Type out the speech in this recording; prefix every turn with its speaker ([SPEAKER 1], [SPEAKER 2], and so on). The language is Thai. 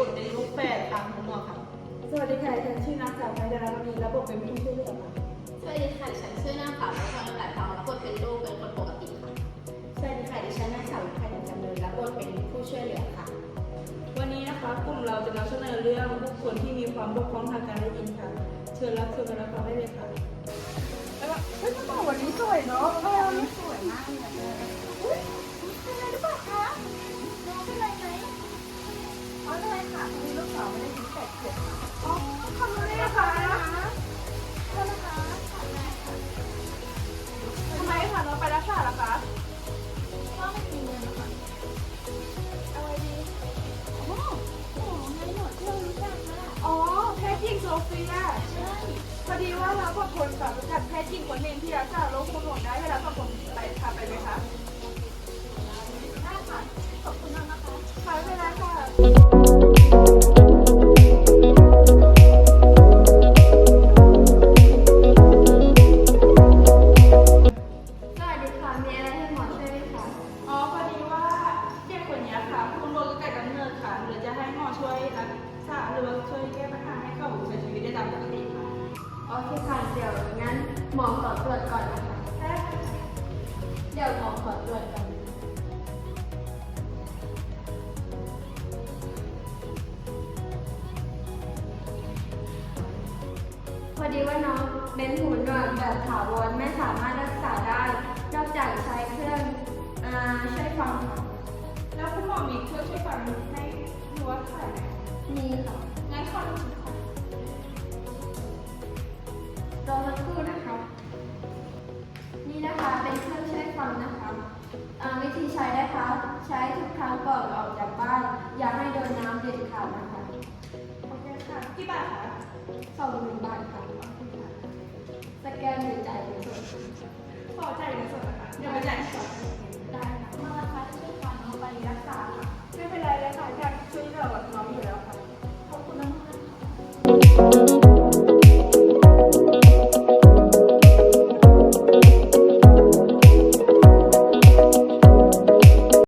[SPEAKER 1] ทเป็นลูกแฝดตามคุณหมอค่ะ
[SPEAKER 2] สวัสดีค่ะฉันชื่อนางสาวไพดารณีรับบทเป็นผู้ช่วยเหลือค่ะ
[SPEAKER 3] สวัสดีค่ะฉันชื่อนางสาวรัชนก ทองรับบทเป็นลูกเป็นคนปกติค่ะ
[SPEAKER 4] สวัสดีค่ะดิฉันนางสาววิภาจันทร์จำเริญรับบทเป็นผู้ช่วยเหลือค่ะ
[SPEAKER 2] วันนี้นะคะกลุ่มเราจะนำเสนอเรื่องบุคคลที่มีความบกพร่องทางการได้ยินค่ะเชิญรับชมกันรับฟังได้เลยค่ะเฮ้ยกระเป๋าวันนี้สวยเนาะ
[SPEAKER 4] สวยมากเลยอุ้ยเป็นไรหรือเปล่าคะน้องเป็นไรไหมอ๋อเป็นไรค่ะพอดีลูกสาวไม่ได้ยินแต่เสียงค่ะ
[SPEAKER 2] อ๋อขอบคุณเลยค่ะ
[SPEAKER 4] โทษนะคะ
[SPEAKER 2] ทำไมค่ะน้องไปรักษาล่ะคะ
[SPEAKER 4] ก็ไม่มีเงินนะคะ
[SPEAKER 2] อะไรดี
[SPEAKER 4] อ๋อหมอไงหมอที่เรารู้จักค่ะ
[SPEAKER 2] อ๋อแพทย์หญิงโซเฟีย
[SPEAKER 4] ใช่
[SPEAKER 2] พอดีว่าเรากับคนสามารถแพทย์หญิงคนหนึ่งที่รักษาโรคหูหนวกได้เวลากับผมไปพาไปไหมคะ
[SPEAKER 4] ได้ค่ะขอบคุณมากนะคะ
[SPEAKER 2] ค่ะไม่เป็นไรค่ะ
[SPEAKER 4] สวัสดีค่ะมีอะไรให้หมอช่วยไหมคะ
[SPEAKER 2] อ๋อพอดีว่าเด็กคนนี้ค่ะคุณโดนตั้งแต่กำเนิดค่ะหรือจะให้หมอช่วยรักษาหรือว่าช่วยแก้ปัญหาให้เขาใช้ชีวิตได้ตามปกติค่ะ
[SPEAKER 4] โอเคค่ะเดี๋ยวงั้นหมอขอตรวจก่อนนะคะเดี๋ยวหมอขอตรวจก่อนพอดีว่าน้องเป็นหูหนวกแบบถาวรไม่สามารถรักษาได้ นอกจากใช้เครื่องช่วยฟังค่ะ
[SPEAKER 2] แล้วคุณหมอมีเครื่องช่วยฟังให้หรือว่าขายไหม
[SPEAKER 4] มีค่ะ
[SPEAKER 2] งั้นขอดูสิค่ะ
[SPEAKER 4] รอสักครู่นะคะ นี่นะคะเป็นเครื่องช่วยฟังนะคะวิธีใช้นะคะใช้ทุกครั้งก่อนออกจากบ้าน อย่าให้โดนน้ำเด็ดขาดนะคะ
[SPEAKER 2] โอเคค่ะกี่บาทคะ
[SPEAKER 4] 20,000 บาทค่ะสแกนหรือจ่ายเป็นสด
[SPEAKER 2] ขอจ่ายเงินสดนะคะเดี๋ยวไปจ่ายสด
[SPEAKER 4] ได้ค่ะมาราคาช่วยฟังน้องไปรักษาค่ะ
[SPEAKER 2] ไม่เป็นไรเลยค่ะอยากช่วยเหลือน้องอยู่แล้วค่ะ
[SPEAKER 4] ขอบคุณมากๆค่ะ